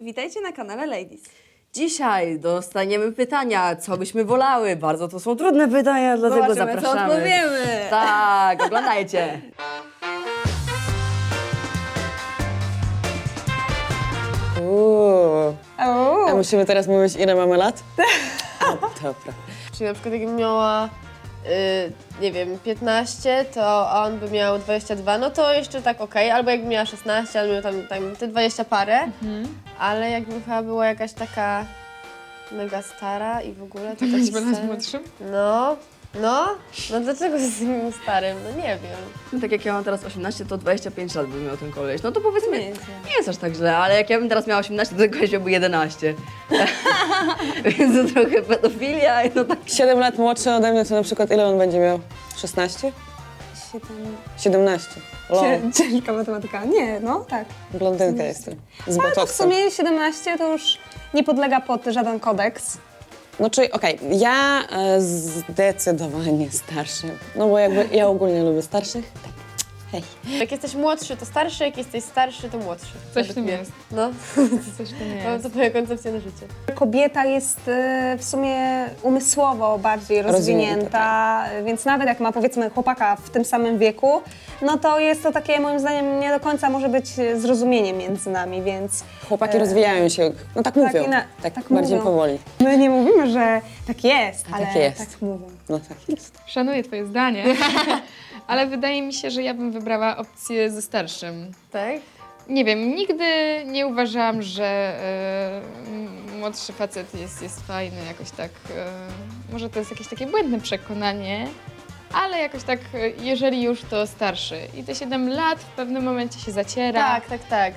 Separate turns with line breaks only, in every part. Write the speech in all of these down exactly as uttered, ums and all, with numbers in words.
Witajcie na kanale Ladies.
Dzisiaj dostaniemy pytania, co byśmy wolały. Bardzo to są trudne pytania, dlatego
Zobaczymy, co
zapraszamy.
odpowiemy.
Tak, oglądajcie.
Uuu.
O,
A musimy teraz mówić, ile mamy lat? A, dobra.
Czyli na przykład jakbym miała, y, nie wiem, piętnaście, to on by miał dwadzieścia dwa, no to jeszcze tak okej, albo jakbym miała szesnaście, albo miał tam, tam te dwadzieścia parę, ale jakbym chyba była jakaś taka mega stara i w ogóle to taki stary.
młodszym?
No, no, no dlaczego z tym starym? No nie wiem.
Tak jak ja mam teraz osiemnaście, to dwadzieścia pięć lat by miał ten koleś. No to powiedzmy,
Nie
nie
jest
jest,
źle.
aż tak źle, ale jak ja bym teraz miała osiemnaście, to ten koleś miałby jedenaście. Więc to trochę pedofilia, no tak.
siedem lat młodszy ode mnie, to na przykład ile on będzie miał? szesnaście?
siedem...
siedemnaście. Lol.
Ciężka matematyka. Nie, no tak.
Blondynka jestem. Z
Ale to w
botoksem.
sumie siedemnaście to już nie podlega pod żaden kodeks.
No czyli okej, ja e, zdecydowanie starszy. No bo jakby ja ogólnie lubię starszych. Tak. Hej.
Jak jesteś młodszy, to starszy, jak jesteś starszy, to młodszy.
Coś w
Według
tym
mnie.
jest.
No,
Coś w tym
mam
jest.
to moja koncepcja na życie.
Kobieta jest e, w sumie umysłowo bardziej
Rozwinięta,
rozwinięta, więc nawet jak ma powiedzmy chłopaka w tym samym wieku, no to jest to takie moim zdaniem nie do końca może być zrozumienie między nami, więc
Chłopaki
E,
rozwijają się, no tak mówią.
i na-
tak,
tak
bardziej
mówią.
powoli.
my nie mówimy, że tak jest,
A
ale
tak jest.
tak mówią.
No tak jest.
Szanuję twoje zdanie, ale wydaje mi się, że ja bym wybrała opcję ze starszym.
Tak?
Nie wiem, nigdy nie uważałam, że e, m- młodszy facet jest, jest fajny, jakoś tak. E, może to jest jakieś takie błędne przekonanie, ale jakoś tak, e, jeżeli już, to starszy. I te siedem lat w pewnym momencie się zaciera.
Tak, tak, tak.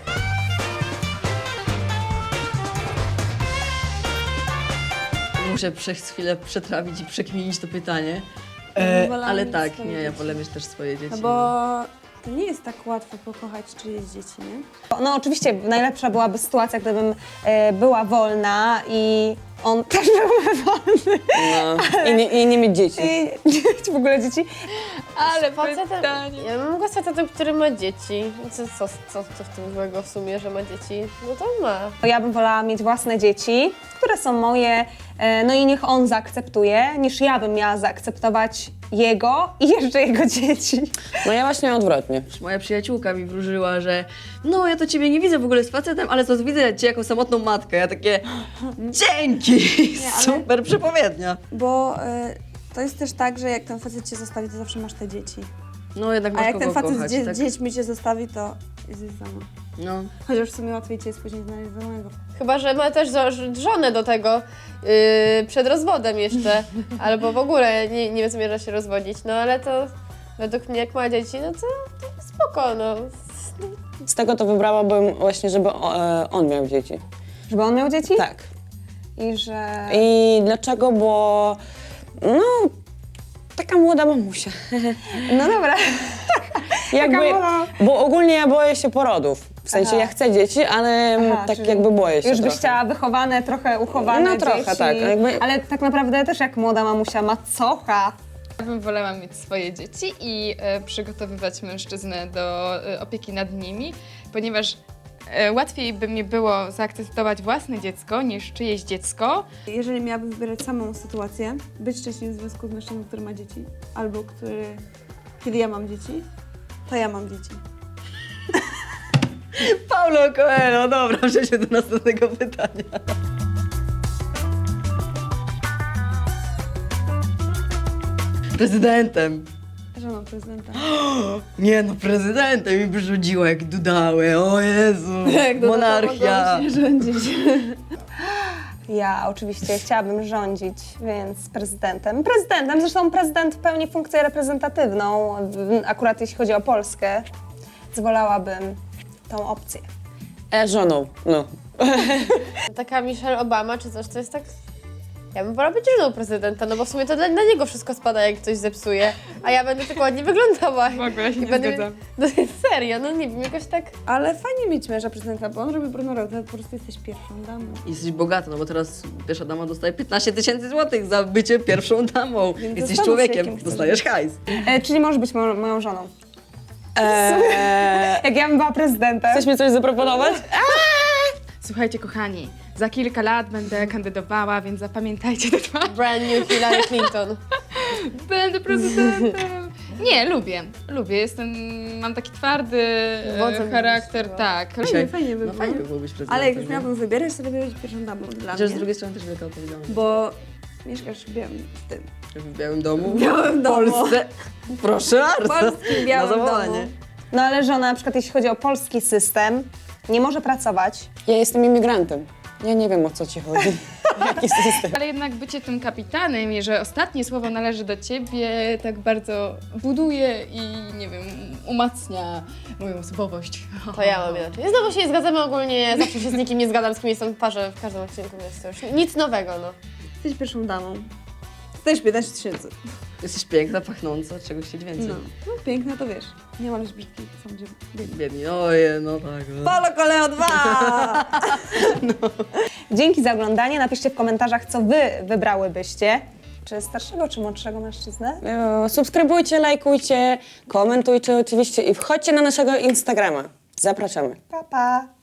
Muszę przez chwilę przetrawić i przekminić to pytanie.
Ja bym
E,
wolała
ale
mieć
tak,
swoje
nie, ja
dzieci.
wolę mieć też swoje dzieci.
No bo to nie jest tak łatwo pokochać czyjeś dzieci, nie? No oczywiście najlepsza byłaby sytuacja, gdybym e, była wolna i on też byłby wolny
No. I, nie, I nie mieć dzieci.
i nie mieć w ogóle dzieci.
Ale
Facetem,
pytanie.
ja mam go z facetem, który ma dzieci. Co, co, co, co w tym złego w sumie, że ma dzieci? No to ma.
Ja bym wolała mieć własne dzieci, które są moje, e, no i niech on zaakceptuje, niż ja bym miała zaakceptować jego i jeszcze jego dzieci.
No ja właśnie odwrotnie.
Moja przyjaciółka mi wróżyła, że no ja to ciebie nie widzę w ogóle z facetem, ale to widzę cię jako samotną matkę. Ja takie dzięki,
ale-
super przepowiednia.
Bo y, to jest też tak, że jak ten facet cię zostawi, to zawsze masz te dzieci.
No jednak
A
masz
jak
kogo
ten facet
kochać,
z dzie-
tak?
dziećmi cię zostawi, to jesteś sama.
No.
Chociaż w sumie łatwiej cię jest później znaleźć wolnego.
Chyba, że ma też zo- żonę do tego yy, przed rozwodem jeszcze. Albo w ogóle nie, nie zamierza się rozwodzić. No ale to według mnie, jak ma dzieci, no to, to spoko, no.
Z tego to wybrałabym właśnie, żeby o, e, on miał dzieci.
Żeby on miał dzieci?
Tak.
I że...
I dlaczego? Bo no, taka młoda mamusia.
No dobra.
Jakby,
młoda.
bo ogólnie ja boję się porodów. W sensie
Aha.
ja chcę dzieci, ale
Aha,
tak
czyli
jakby boję się
Już byś
trochę.
chciała wychowane, trochę uchowane
No trochę,
dzieci.
tak, jakby-
Ale tak naprawdę też jak młoda mamusia macocha.
Ja bym wolała mieć swoje dzieci i e, przygotowywać mężczyznę do e, opieki nad nimi, ponieważ e, łatwiej by mi było zaakceptować własne dziecko niż czyjeś dziecko.
Jeżeli miałabym wybierać samą sytuację, być szczęśliwym w związku z mężczyzną, który ma dzieci, albo który, kiedy ja mam dzieci, to ja mam dzieci.
Paulo Coelho, dobra, przejdźmy do następnego pytania. Prezydentem.
Żoną prezydenta.
Nie no, prezydentem mi wyrzuciło jak dudały, o Jezu, monarchia.
Rządzić.
Ja oczywiście chciałabym rządzić, więc prezydentem. Prezydentem, zresztą prezydent pełni funkcję reprezentatywną, w- akurat jeśli chodzi o Polskę, zwolałabym tą opcję.
E, żoną, no.
Taka Michelle Obama czy coś, to jest tak... Ja bym wolała być żoną prezydenta, no bo w sumie to dla, na niego wszystko spada, jak ktoś zepsuje. A ja będę tylko ładnie wyglądała.
W ogóle się
I
nie
będę,
zgadzam.
No serio, no nie wiem, jakoś tak...
Ale fajnie mieć męża prezydenta, bo on robi brudną robotę, po prostu jesteś pierwszą damą.
Jesteś bogata, no bo teraz pierwsza dama dostaje piętnaście tysięcy złotych za bycie pierwszą damą.
Więc
Jesteś
zastanów się,
człowiekiem,
jakim chcesz
dostajesz hajs.
E, czyli możesz być mo- moją żoną.
E,
Jak ja bym była prezydentem.
chcesz mi coś zaproponować?
Słuchajcie, kochani, za kilka lat będę kandydowała, więc zapamiętajcie te dwa.
Brand new Hillary Clinton.
Będę prezydentem. Nie, lubię, lubię. Jestem, mam taki twardy e,
Wodzem
charakter,
byś
tak.
Fajnie, fajnie by
No
było.
fajnie by było być prezydentem.
Ale jak już
nie?
miałabym wybierać, to lepiej być pierwszą damą dla
Chociaż z
mnie.
drugiej strony też wielka odpowiedzialność.
Bo mieszkasz w białym, w tym,
W Białym Domu.
w białym
W
domu.
Polsce. Proszę
W
bardzo.
polskim
Na
białym
zawołanie.
domu.
No ale żona, na przykład jeśli chodzi o polski system, nie może pracować.
Ja jestem imigrantem. Ja nie wiem, o co ci chodzi. Jaki system?
Ale jednak bycie tym kapitanem i że ostatnie słowo należy do ciebie, tak bardzo buduje i, nie wiem, umacnia moją osobowość.
To ja mam inaczej. Znowu się nie zgadzamy ogólnie, zawsze się z nikim nie zgadzam, z kim jestem w parze w każdym odcinku, więc to już nic nowego, no.
Jesteś pierwszą damą. Też piętnaście tysięcy.
Jesteś piękna, pachnąca, czegoś chcieć więcej.
No. no, piękne to wiesz. Nie ma być brzydki, są gdzie biedni.
Biedni, oje, no tak. No.
Polo Koleo dwa!
Dzięki za oglądanie. Napiszcie w komentarzach, co wy wybrałybyście. Czy starszego, czy młodszego mężczyznę?
E, Subskrybujcie, lajkujcie, komentujcie oczywiście i wchodźcie na naszego Instagrama. Zapraszamy.
Pa, pa!